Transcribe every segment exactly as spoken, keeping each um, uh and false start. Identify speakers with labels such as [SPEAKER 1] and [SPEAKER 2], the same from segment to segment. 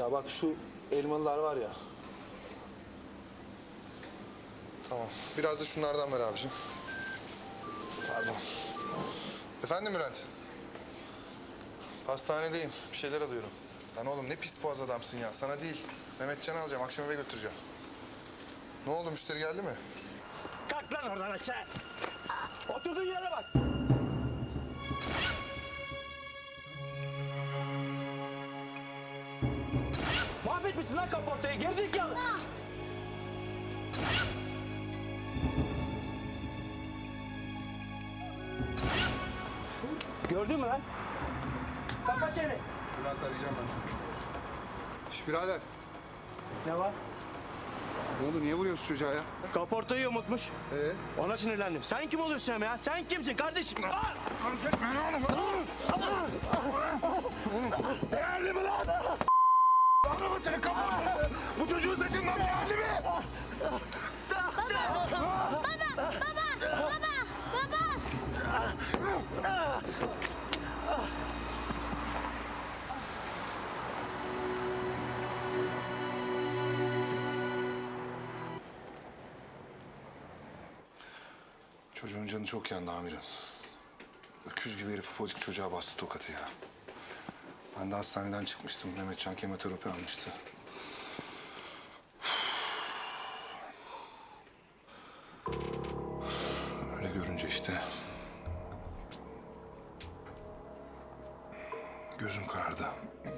[SPEAKER 1] Ya bak şu elmalılar var ya.
[SPEAKER 2] Tamam. Biraz da şunlardan ver abiciğim. Pardon. Efendim Bülent? Hastanedeyim. Bir şeyler alıyorum. Lan oğlum ne pis boğaz adamsın ya. Sana değil. Mehmetcan'ı alacağım. Akşam eve götüreceğim. Ne oldu? Müşteri geldi mi?
[SPEAKER 3] Kalk lan oradan aşağı. Oturduğun yere bak. Mahvetmişsin lan kaportayı. Gerizekalı. Gördün mü lan? Kapat çeneni.
[SPEAKER 2] Bülent arayacağım ben seni. Şş birader.
[SPEAKER 3] Ne var?
[SPEAKER 2] Ne oldu? Niye vuruyorsun çocuğa ya?
[SPEAKER 3] Kaportayı unutmuş.
[SPEAKER 2] Ee?
[SPEAKER 3] Ona sinirlendim. Sen kim oluyorsun hem ya? Sen kimsin kardeşim? Değerli mi lan? Anlama senin kaportası. Bu çocuğun saçından değerli mi?
[SPEAKER 4] Baba, baba, baba, baba.
[SPEAKER 2] Çocuğun canı çok yandı amirim. Öküz gibi herif ufacık çocuğa bastı tokatı ya. Ben de hastaneden çıkmıştım. Mehmetcan kemoterapi almıştı. Öyle görünce işte... gözüm karardı.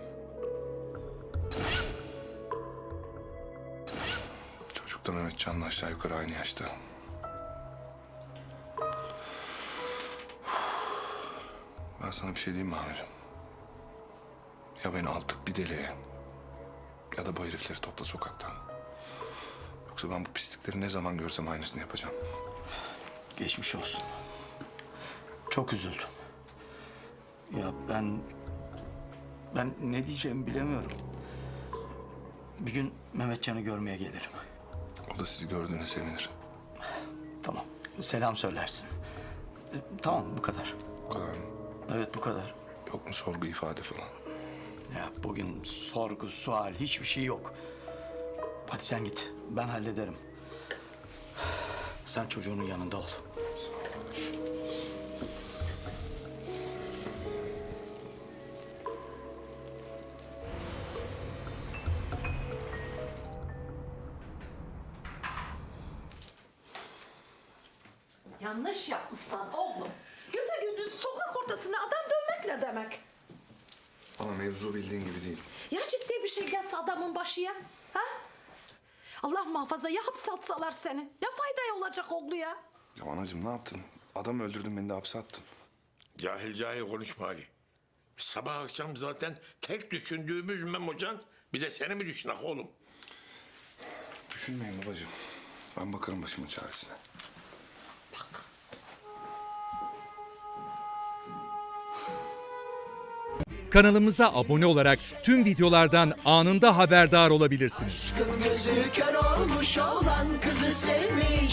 [SPEAKER 2] Çocuk da Mehmetcan'la aşağı yukarı aynı yaşta. Ben sana bir şey diyeyim mi amirim? Ya beni altık bir deliğe ya da bu herifleri topla sokaktan. Yoksa ben bu pislikleri ne zaman görsem aynısını yapacağım.
[SPEAKER 5] Geçmiş olsun. Çok üzüldüm. Ya ben... Ben ne diyeceğimi bilemiyorum. Bir gün Mehmetcan'ı görmeye gelirim.
[SPEAKER 2] O da sizi gördüğüne sevinir.
[SPEAKER 5] Tamam. Selam söylersin. E, Tamam bu kadar.
[SPEAKER 2] Bu kadar mı?
[SPEAKER 5] Evet bu kadar.
[SPEAKER 2] Yok mu sorgu ifade falan?
[SPEAKER 5] Ya bugün sorgu, sual hiçbir şey yok. Hadi sen git. Ben hallederim. Sen çocuğunun yanında ol.
[SPEAKER 2] Sağ ol.
[SPEAKER 6] Yanlış yapmışsan oğlum. Güpegündüz sokak ortasına adam dövmek ne demek?
[SPEAKER 2] Ama mevzu bildiğin gibi değil.
[SPEAKER 6] Ya ciddi bir şey gelse adamın başıya? Ha? Allah muhafaza ya hapse atsalar seni. Ne fayda olacak oğlu ya?
[SPEAKER 2] Ya anacığım ne yaptın? Adam öldürdün, beni de hapse attın.
[SPEAKER 7] Cahil cahil konuşma Ali. Sabah akşam zaten tek düşündüğümüz Memocan, bir de seni mi düşünak oğlum?
[SPEAKER 2] Düşünmeyin babacığım. Ben bakarım başımın çaresine.
[SPEAKER 8] Kanalımıza abone olarak tüm videolardan anında haberdar olabilirsiniz.
[SPEAKER 9] Aşkın gözü kör olmuş olan kızı sevmiş.